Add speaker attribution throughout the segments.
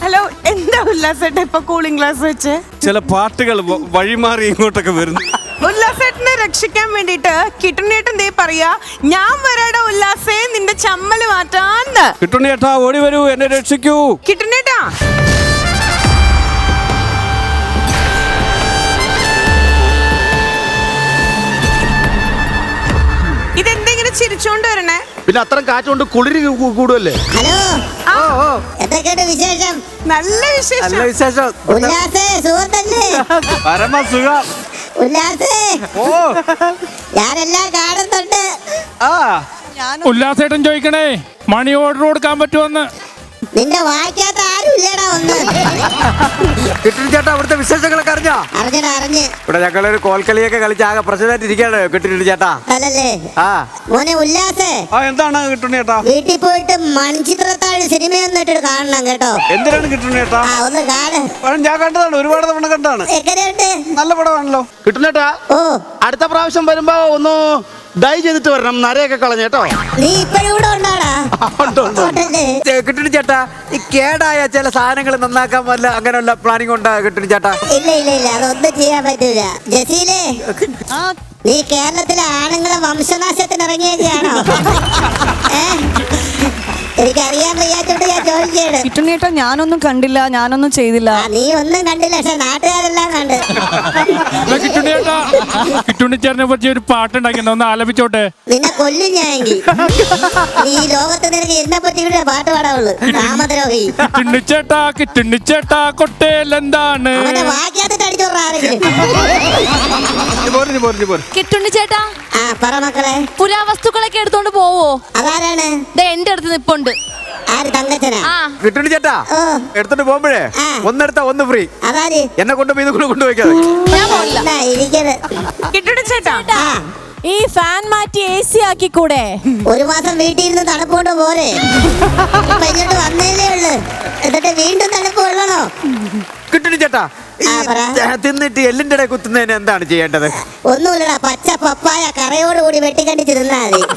Speaker 1: Hello, എന്താ ഉല്ലാസേട്ട ഇപ്പൊ cooling glass വെച്ച്?
Speaker 2: ചില പാട്ടുകൾ വഴിമാറി ഇങ്ങോട്ടൊക്കെ വരുന്നു.
Speaker 1: ഉല്ലാസേട്ടനെ രക്ഷിക്കാൻ വേണ്ടിട്ട് കിട്ടുണ്ണേട്ടൻ ദേ പറയാ, ഞാൻ വരാടാ ഉല്ലാസേ നിന്റെ ചമ്മല് മാറ്റാന്ന്.
Speaker 2: കിട്ടുണ്ണേട്ടാ ഓടി വരൂ, എന്നെ രക്ഷിക്കൂ.
Speaker 1: കിട്ടുണ്ണേട്ടാ ഇതെന്തെങ്കിലും ചിരിച്ചോണ്ട് വരണേ?
Speaker 3: പിന്നെ അത്രയും കാറ്റുകൊണ്ട് കുളിരി കൂടുമല്ലേ?
Speaker 4: ഹലോ, എന്തൊക്കെയുണ്ട് വിശേഷം?
Speaker 1: നല്ല വിശേഷം.
Speaker 2: വിശേഷം.
Speaker 4: ഉല്ലാസേ, സുഹൃത്തല്ലേ?
Speaker 2: പരമസുഖം.
Speaker 4: ഉല്ലാസേ,
Speaker 2: ഓ
Speaker 4: ഞാനെല്ലാം കാണുന്നുണ്ട്.
Speaker 5: ഉല്ലാസേട്ടൻ ചോദിക്കണേ, മണി ഓർഡർ കൊടുക്കാൻ പറ്റുമെന്ന്.
Speaker 4: നിന്റെ വായിക്കാത്ത ആരും ഇല്ലടാ ഒന്ന്.
Speaker 6: കിട്ടുണ്ണി ചേട്ടാ, അവിടുത്തെ വിശേഷങ്ങളൊക്കെ അറിഞ്ഞോ?
Speaker 4: അറിഞ്ഞ്
Speaker 6: ഇവിടെ ഞങ്ങളൊരു കോൽക്കളിയൊക്കെ കളിച്ച് ആകെ പ്രശ്നമായിട്ട് ഇരിക്കുകയാണ് കിട്ടുണ്ണി ചേട്ടാ.
Speaker 4: അല്ലല്ലേ
Speaker 6: ആ
Speaker 4: മോനെ ഉല്ലാസേ,
Speaker 2: എന്താണ് കിട്ടുണ്ണേട്ടാ?
Speaker 4: വീട്ടിൽ പോയിട്ട് മൺചിത്രത്താഴ് സിനിമയൊന്നും ഇട്ടിട്ട് കാണണം കേട്ടോ.
Speaker 2: എന്തിനാണ് കിട്ടുണ്ണേട്ടാ?
Speaker 4: ഒന്ന് കാണ്.
Speaker 2: ഞാൻ കണ്ടതാണ്, ഒരുപാട് തവണ കണ്ടാണ്.
Speaker 4: എങ്ങനെയുണ്ട്?
Speaker 2: നല്ല പടമാണല്ലോ.
Speaker 3: കിട്ടുന്നേട്ടാ,
Speaker 4: ഓ,
Speaker 3: അടുത്ത പ്രാവശ്യം വരുമ്പോ ഒന്ന് ഡൈ ചെയ്തിട്ട് വരണം, നരയൊക്കെ കളഞ്ഞേട്ടോ.
Speaker 4: നീ ഇപ്പഴും ഇവിടെ ഉണ്ടാടാ?
Speaker 6: കിട്ടുണ്ണി ചേട്ടാ, ഈ കേടായ ചില സാധനങ്ങൾ നന്നാക്കാൻ വല്ല അങ്ങനെയുള്ള പ്ലാനിങ് ഉണ്ടാ കിട്ടുണ്ണി ചേട്ടാ?
Speaker 4: ഇല്ല, അതൊന്നും ചെയ്യാൻ പറ്റൂല. ജസീലേ, നീ കേരളത്തിലെ ആണുങ്ങളെ വംശനാശത്തിന് ഇറങ്ങിയൊക്കെയാണോ? എനിക്കറിയാൻ വയ്യാത്തോണ്ട് ഞാൻ ചോദിക്കുകയാണ്.
Speaker 7: കിട്ടുണ്ണേട്ടാ, ഞാനൊന്നും കണ്ടില്ല, ഞാനൊന്നും ചെയ്തില്ല.
Speaker 4: നീ ഒന്നും കണ്ടില്ല, പക്ഷെ നാട്ടുകാരെല്ലാം കണ്ട്.
Speaker 5: കിട്ടുണ്ണിയേട്ടാ, കിട്ടുണ്ണിച്ചേട്ടനെ പറ്റി ഒരു പാട്ടുണ്ടാക്കിയ ഒന്ന് ആലപിച്ചോട്ടെ.
Speaker 4: നിന്നെ കൊല്ലും ഞാനെങ്കിൽ. നീ ലോകത്ത് നിനക്ക് എന്നെ പറ്റി കൂടെ പാട്ട് പാടാവുള്ളൂ. രാമദ്രോഹി.
Speaker 5: കിട്ടുണ്ണിച്ചേട്ടാ കൊട്ടേലെന്താണ്?
Speaker 4: അവനെ വാക്കിയാത്തിട്ട് അടിച്ചോറാരെങ്കിലും.
Speaker 7: കിട്ടുണ്ണിച്ചേട്ടാ,
Speaker 4: ആ പറ മക്കളെ.
Speaker 7: പുരാവസ്തുക്കളൊക്കെ എടുത്തോണ്ട് പോവോ?
Speaker 4: അതാരാണ്?
Speaker 7: എന്റെ അടുത്ത് നിപ്പുണ്ട്.
Speaker 4: ആര്? തങ്കച്ചനാ?
Speaker 6: കിട്ടുണ്ണി ചേട്ടാ, എടുത്തോണ്ട് പോകുമ്പോഴേ ഒന്നെടുത്താ ഒന്ന് ഫ്രീ.
Speaker 4: അതാര്?
Speaker 6: എന്നെ കൊണ്ടുപോയി ഇത് കൊണ്ടുപോയിക്കാതെ.
Speaker 7: ഞാൻ പോയില്ല.
Speaker 1: കിട്ടുണ്ണേട്ടാ,
Speaker 7: ഈ ഫാൻ മാറ്റി AC ആക്കി കൂടെ?
Speaker 4: ഒരു മാസം വീട്ടിൽ ഇരുന്ന് തണുപ്പ് കൊണ്ട് പോരെ. ഇപ്പൊ ഇങ്ങോട്ട് വന്നേലേ ഉള്ളു, എന്നിട്ട് വീണ്ടും തണുപ്പ് കൊള്ളണോ?
Speaker 6: കിട്ടുണ്ണി ചേട്ടാ, തിന്നിട്ട് എല്ലിന്റെ ഇടയിൽ കുത്തുന്നതിന് എന്താണ് ചെയ്യേണ്ടത്?
Speaker 4: ഒന്നുമില്ലടാ, പച്ച പപ്പായ കറയോടുകൂടി വെട്ടിക്കണ്ടിച്ച് തിന്നാ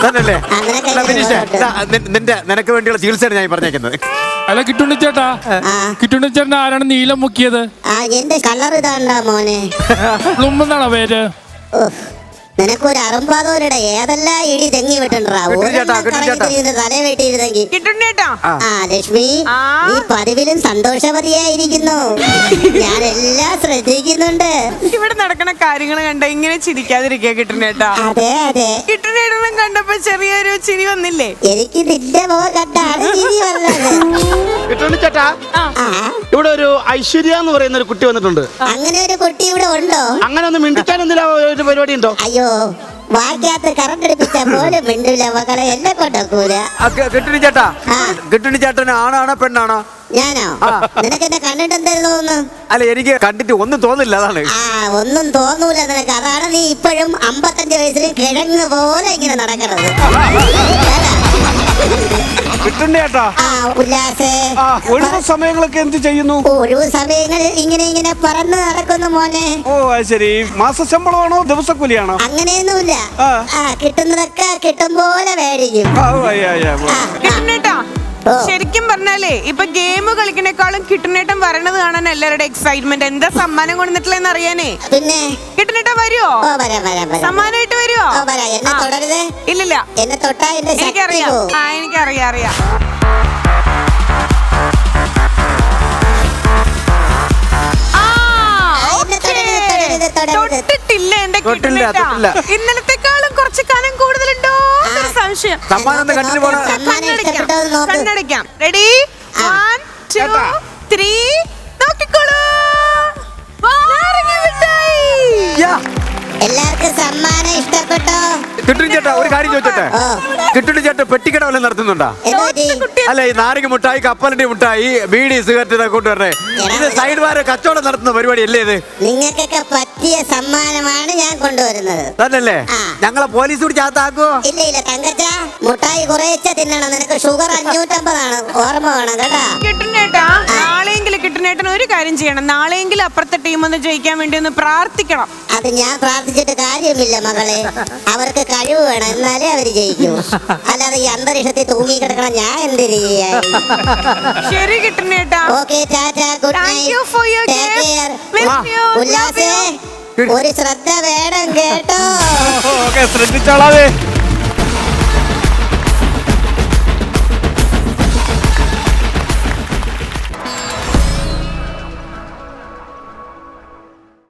Speaker 4: മതി.
Speaker 6: നിനക്ക് വേണ്ടിയുള്ള ചികിത്സയാണ് ഞാൻ പറഞ്ഞേക്കുന്നത്.
Speaker 5: അല്ല കിട്ടുണ്ണിച്ചേട്ടാ, കിട്ടുണ്ണിച്ചേട്ടൻ ആരാണ് നീലം മുക്കിയത്?
Speaker 4: എന്റെ കളർ ഇതാണ്ടാ മോനെ.
Speaker 5: പ്ലുമെന്നാണോ പേര്?
Speaker 4: നിനക്കൊരു അറുമ്പാതോരുടെ ഏതെല്ലാം ഇടി തെങ്ങി വിട്ടുണ്ടാ തല വെട്ടിയിരുന്നെങ്കിൽ.
Speaker 1: കിട്ടുണ്ണേട്ടാ,
Speaker 4: ലക്ഷ്മി, നീ പതിവിലും സന്തോഷവതിയായിരിക്കുന്നു. ഞാനെല്ലാം ശ്രദ്ധിക്കുന്നുണ്ട്.
Speaker 1: ഇവിടെ നടക്കുന്ന കാര്യങ്ങൾ കണ്ട ഇങ്ങനെ ചിരിക്കാതിരിക്കുക കിട്ടുണ്ണേട്ടാ.
Speaker 4: അതെ.
Speaker 1: കിട്ടുണ്ണേട്ടനും കണ്ടപ്പോ ചെറിയൊരു ചിരി വന്നില്ലേ?
Speaker 4: എനിക്ക് നിന്റെ മുഖം കണ്ടാണ് ചിരി വന്നത്.
Speaker 3: കിട്ടുണ്ണിച്ചേട്ടാ, ഇവിടെ ഒരു ഐശ്വര്യ എന്ന് പറയുന്ന ഒരു കുട്ടി വന്നിട്ടുണ്ട്.
Speaker 4: അങ്ങനെ ഒരു കുട്ടി ഇവിടെ ഉണ്ടോ? അങ്ങനെ
Speaker 3: ഒന്ന് മിണ്ടിക്കാൻ എന്തെങ്കിലും ഒരു പരിപാടി ഉണ്ടോ?
Speaker 4: അയ്യോ, വാക്കിയാത്ത് കറണ്ട് എടുപ്പിച്ച പോലും മിണ്ടില്ല മക്കളെ, എന്നെ കൊണ്ടൂല.
Speaker 6: കിട്ടുണ്ണി ചേട്ടാ, കിട്ടുണ്ണി ചേട്ടന് ആണാണോ പെണ്ണാണോ?
Speaker 4: ഞാനോ? നിനക്ക് എന്നെ കണ്ടിട്ട് എന്തായിരുന്നു തോന്നുന്നു?
Speaker 6: അല്ല, എനിക്ക് കണ്ടിട്ട് ഒന്നും തോന്നില്ല, അതാണ്.
Speaker 4: ഒന്നും തോന്നൂല നിനക്ക്. അതാണ് നീ ഇപ്പോഴും 55 വയസ്സിൽ കിഴങ്ങ് പോലെ ഇങ്ങനെ നടക്കണത്.
Speaker 2: കിട്ടുണ്ണേട്ടാ,
Speaker 4: ഉല്ലാസേ,
Speaker 2: ഒഴിവ് സമയങ്ങളൊക്കെ എന്ത് ചെയ്യുന്നു?
Speaker 4: ഒഴിവ് സമയങ്ങളിൽ ഇങ്ങനെ പറന്ന് നടക്കുന്നു മോനെ.
Speaker 2: ഓ ശരി. മാസശമ്പളമാണോ ദിവസക്കൂലിയാണോ?
Speaker 4: അങ്ങനെയൊന്നുമില്ല, കിട്ടുന്നതൊക്കെ കിട്ടും പോലെ മേടിക്കും.
Speaker 1: കിട്ടുണ്ണേട്ടാ, ശരിക്കും പറഞ്ഞാലേ ഇപ്പൊ ഗെയിം കളിക്കണേക്കാളും കിട്ടുണ്ണേട്ടൻ വരണത് കാണാൻ എല്ലാവരുടെ എക്സൈറ്റ്മെന്റ്. എന്താ സമ്മാനം കൊണ്ടുവന്നിട്ടില്ലെന്ന് അറിയാനേ.
Speaker 4: പിന്നെ
Speaker 1: കിട്ടുണ്ണേട്ടാ വരുവോ? സമ്മാനമായിട്ട് വരുവോ?
Speaker 4: എന്നെ തൊടരുത്.
Speaker 1: ഇല്ലില്ല,
Speaker 4: എന്നെ തൊട്ടാ എന്റെ
Speaker 1: എനിക്കറിയാം. എനിക്കറിയാം. തൊട്ടിട്ടില്ല എന്റെ കിട്ടുണ്ണേട്ടാ. ഇന്നലത്തെക്കാളും കുറച്ച് കാലം കൂടുതലുണ്ടോ സംശയം. കണ്ണടയ്ക്കാം. റെഡി, 1 2 3 നോക്കിക്കോളൂ.
Speaker 4: എല്ലാവർക്കും സമ്മാനം ഇഷ്ടപ്പെട്ടോ?
Speaker 6: കിട്ടുണ്ണി ചേട്ടാ, ഒരു കാര്യം ചോദിച്ചോട്ടെ? കിട്ടുണ്ണി ചേട്ടാ പെട്ടിക്കട വല്ലതും നടത്തുന്നുണ്ടോ? അല്ല, ഈ നാരങ്ങ മുട്ടായി, കപ്പലണ്ടി മുട്ടായി, ബീഡി, സിഗരറ്റ് ഇതൊക്കെ കൊണ്ടുവരണേ. ഇത് സൈഡ് വാര കച്ചവടം നടത്തുന്ന പരിപാടി അല്ലേ ഇത്?
Speaker 4: നിങ്ങൾക്കൊക്കെ പറ്റിയ സമ്മാനമാണ് ഞാൻ കൊണ്ടുവരുന്നത്.
Speaker 6: തന്നല്ലേ? ഞങ്ങളെ പോലീസ് കൂടി ചാത്താക്കുവോ?
Speaker 4: ഇല്ല തങ്കച്ച, മുട്ടായി കുറേച്ച തിന്നണം. നിനക്ക് ഷുഗർ 550 ആണ്, ഓർമ്മ വേണം കേട്ടാ.
Speaker 1: കിട്ടുണ്ണേട്ടാ, നാളെയെങ്കിലും കിട്ടുന്ന കിട്ടുന്നേട്ടൻ ഒരു കാര്യം ചെയ്യണം. നാളെയെങ്കിലും അപ്പുറത്തെ ടീം ഒന്ന് ജയിക്കാൻ വേണ്ടി ഒന്ന് പ്രാർത്ഥിക്കണം.
Speaker 4: അത് ഞാൻ പ്രാർത്ഥിച്ചിട്ട് കാര്യമില്ല മകളെ. അവർക്ക് കഴിവ് വേണം, എന്നാലേ അവര് ജയിക്കൂ. അല്ലാതെ ഈ അന്തരീക്ഷത്തിൽ തൂങ്ങി കിടക്കണം ഞാൻ എന്തിനു ചെയ്യാൻ.
Speaker 1: ശരി കിട്ടുന്നേട്ടാ.
Speaker 4: Okay, tata, good
Speaker 1: Thank you for your
Speaker 4: night.
Speaker 1: gift. Miss you.
Speaker 4: ഉല്ലാസേ, ഒരു ശ്രദ്ധ വേണം കേട്ടോ.
Speaker 2: ഓക്കെ, ശ്രദ്ധിച്ചോളാവേ.